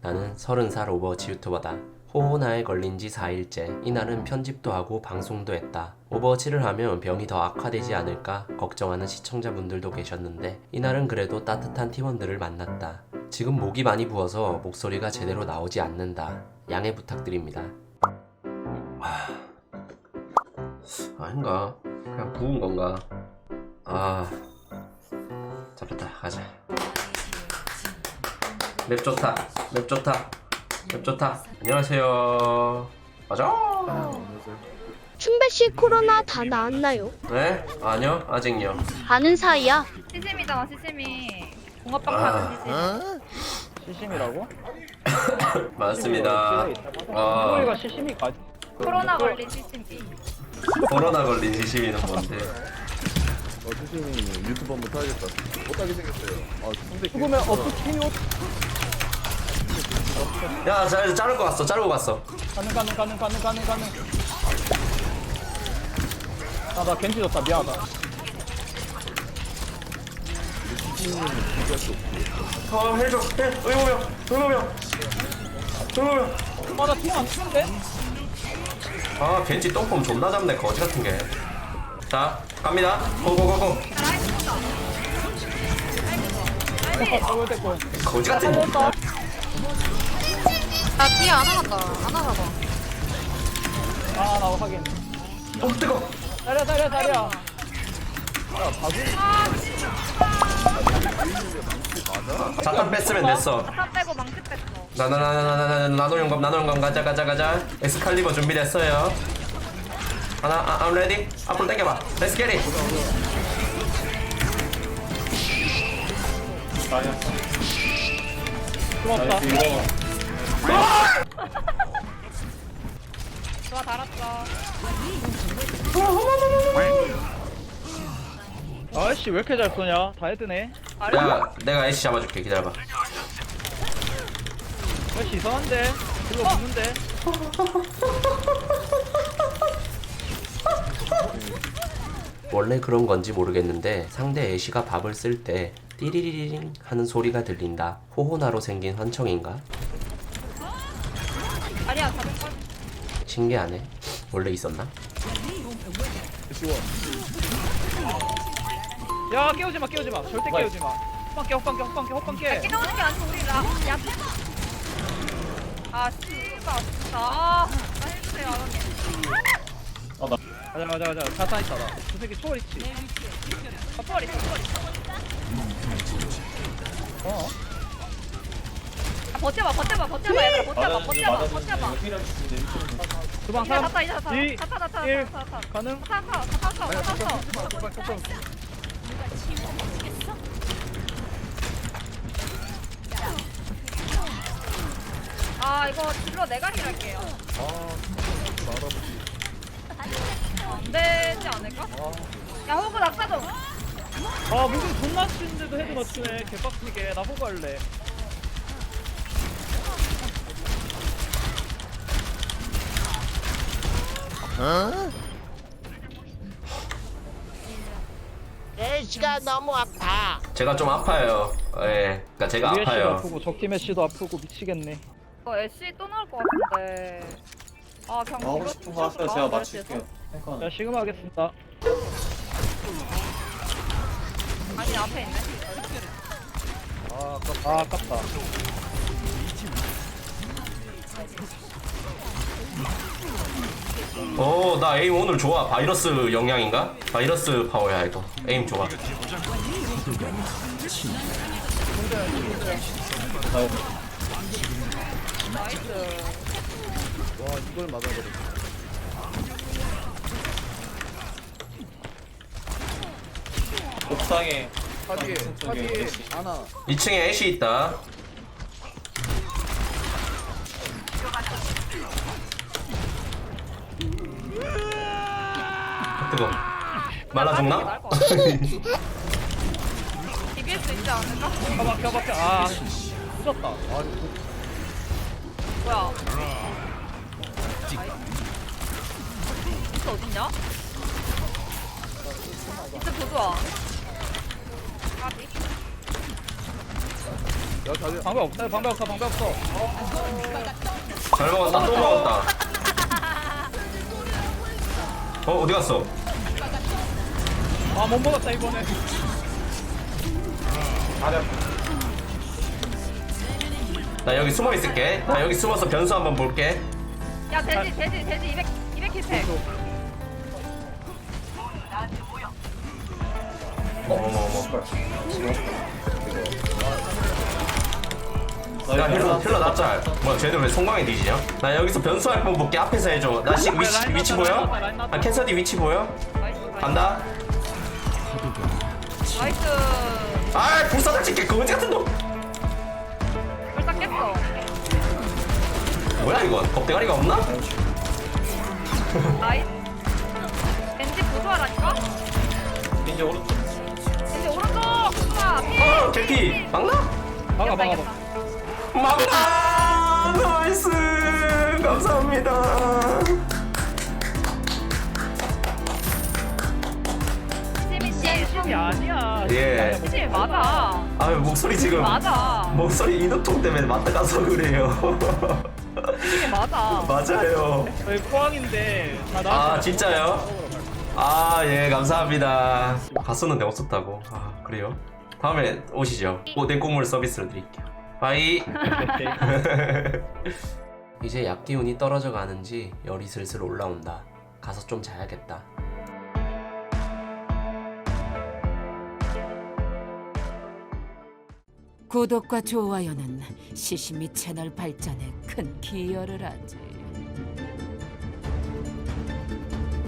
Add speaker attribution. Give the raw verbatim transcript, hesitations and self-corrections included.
Speaker 1: 나는 서른 살 오버워치 유튜버다. 호호나에 걸린 지 사 일째. 이날은 편집도 하고 방송도 했다. 오버워치를 하면 병이 더 악화되지 않을까 걱정하는 시청자분들도 계셨는데 이날은 그래도 따뜻한 팀원들을 만났다. 지금 목이 많이 부어서 목소리가 제대로 나오지 않는다. 양해 부탁드립니다. 아... 아닌가? 그냥 부은 건가? 아... 잡혔다. 가자. 맵 좋다. 맵 좋다. 맵 좋다. 안녕하세요. 맞아?
Speaker 2: 춘배씨 코로나 다 나았나요?
Speaker 1: 네? 아니요. 아직요.
Speaker 2: 아는 사이야?
Speaker 3: 시심이잖아 시심이 붕어빵
Speaker 1: 아.
Speaker 3: 파는 시심
Speaker 4: 시심이라고?
Speaker 1: 맞습니다. 아,
Speaker 4: 소리가 시심이 가.
Speaker 3: 코로나 걸린 시심이
Speaker 1: 코로나 걸린 시시미는 뭔데?
Speaker 5: 어, 수심이 유튜브 한번 타야겠다. 못하게 생겼어요. 아, 근데
Speaker 4: 죽으면 어떡해요?
Speaker 1: 야, 자, 자르고 갔어. 자르고 갔어.
Speaker 4: 가능 가능 가능 가능 가능 가능. 아나 겐지 졌다 미안하다.
Speaker 1: 어, 해줘. 해. 의무명. 의무명. 의무명.
Speaker 4: 아나 팀안 치는데?
Speaker 1: 아, 벤치 똥폼 존나 잡네. 거지 같은 게. 자, 갑니다. 고고고고.
Speaker 4: 어왜 됐고?
Speaker 1: 거지 같은 게.
Speaker 3: 아 뒤에 안 나갔다 안 나가봐
Speaker 4: 아나 확인.
Speaker 1: 어, 뜨거.
Speaker 4: 다리야 다리야 다리야.
Speaker 1: 잠깐 뺐으면 됐어.
Speaker 3: 다 빼고 망치 뺐어
Speaker 1: 나나나나나나 나노 용감 나노 용감 가자 가자 가자. 엑스칼리버 준비됐어요. 하나, 아, I'm ready. 앞으로 당겨봐. Let's get it.
Speaker 4: 고맙다.
Speaker 3: 좋아 달았어
Speaker 4: 아이씨 왜 이렇게 잘 쏘냐? 다 헤드네.
Speaker 1: 야, 내가 애쉬 잡아줄게. 기다려봐.
Speaker 4: 아이씨 이상한데? 그거 붙는데?
Speaker 1: 원래 그런 건지 모르겠는데 상대 애쉬가 밥을 쓸 때 띠리리링 하는 소리가 들린다. 호호나로 생긴 환청인가?
Speaker 3: 아니야 잡을걸
Speaker 1: 신기하네. 원래 있었나?
Speaker 4: 야 깨우지 마 깨우지 마 절대 깨우지 마. 헛방 깨 헛방 깨 헛방 깨 헛방 깨.
Speaker 3: 깨우는 게 아니고 우리 라 야. 아 씨발 진짜 아나 해주세요 아버님
Speaker 4: 가자 가자 가자 자탄 있다 나. 저 새끼 초월 있지.
Speaker 3: 아 초월 있어 초월 있어
Speaker 4: 어?
Speaker 3: 아 버텨봐 버텨봐 버텨봐 얘들아 버텨봐 버텨봐 버텨봐
Speaker 4: 주방
Speaker 3: 이제
Speaker 4: 삼,
Speaker 3: 다타 이제 다타
Speaker 4: 이,
Speaker 3: 다타 다타
Speaker 4: 일.
Speaker 3: 다타 다타
Speaker 4: 가능?
Speaker 3: 다타 다타 다타 다타 다타 아 이거 딜러 내가 힐할게요 안 되지 않을까? 야 호구 낙사 좀
Speaker 4: 아 무슨 존나 치는데도 헤드 맞추네 개빡치게. 나 호구 할래.
Speaker 6: 애쉬가 너무 아파.
Speaker 1: 제가 좀 아파요. 예, 그러니까 제가
Speaker 4: 우리 애쉬도
Speaker 1: 아파요.
Speaker 4: 아프고 적팀 애쉬도 아프고 미치겠네.
Speaker 3: 이거 애쉬 또 나올 것 같은데 아 그냥
Speaker 7: 하고
Speaker 3: 이거
Speaker 7: 싶은 거 하세요. 제가 맞출게요.
Speaker 4: 자 시그마 하겠습니다.
Speaker 3: 아니 앞에 있네
Speaker 4: 아 아깝다. 아, 아깝다.
Speaker 1: 오, 나 에임 오늘 좋아. 바이러스 영향인가? 바이러스 파워야 이거. 에임 좋아.
Speaker 5: 와, 이걸 맞아버렸어.
Speaker 7: 옥상에
Speaker 5: 파디에, 파디에, 하나.
Speaker 1: 이 층에 애쉬 있다. 뜨거. 말라죽나?
Speaker 3: 나올 것 같아 디비에스 있지 않을까?
Speaker 4: 가봐 가봐 가. 아 늦었다. 아
Speaker 3: 뭐야 이트 어딨냐? 이트 보조아 까비
Speaker 5: 야 자리
Speaker 4: 방법 없다 방법 없어 방법 없어.
Speaker 1: 잘 먹었다 또 먹었다. 어 어디 갔어?
Speaker 4: 아 못 먹었다 이번에.
Speaker 1: 나 여기 숨어 있을게. 나 여기 숨어서 변수 한번 볼게.
Speaker 3: 야 돼지 돼지 돼지 이백 이백 킬팩.
Speaker 1: 어머 어머. 야 힐러 힐러 납잘. 뭐야 쟤들 왜 송광에 뒤지냐? 나 여기서 변수 할 번 볼게. 앞에서 해줘. 나 지금 위치 위치 보여? 아 캐서디 위치 보여?
Speaker 3: 나이스 나이스.
Speaker 1: 간다.
Speaker 3: 나이스.
Speaker 1: 아 불사장 찍게 거지 같은 놈.
Speaker 3: 벌써 깼어.
Speaker 1: 뭐야 이건? 겁대가리가 없나?
Speaker 3: 나이스. 겐지 부조하라니까?
Speaker 4: 이제 오른쪽.
Speaker 3: 겐지 오른쪽. 아,
Speaker 1: 어 개피 막나?
Speaker 4: 막아 막아 막아.
Speaker 1: 막나 나이스 감사합니다.
Speaker 3: 팀이
Speaker 4: 아니야.
Speaker 1: 예.
Speaker 3: 팀 맞아.
Speaker 1: 아유 목소리 지금
Speaker 3: 맞아.
Speaker 1: 목소리 인후통 때문에 맞다 가서 그래요.
Speaker 3: 팀이 맞아.
Speaker 1: 맞아요.
Speaker 4: 저희 포항인데 다
Speaker 1: 아
Speaker 4: 나왔어.
Speaker 1: 진짜요? 아 예 감사합니다. 갔었는데 없었다고. 아 그래요? 다음에 오시죠. 오뎅 국물 서비스로 드릴게요. 바이. 이제 약 기운이 떨어져 가는지 열이 슬슬 올라온다. 가서 좀 자야겠다.
Speaker 7: 구독과 좋아요는 시시미 채널 발전에 큰 기여를 하지.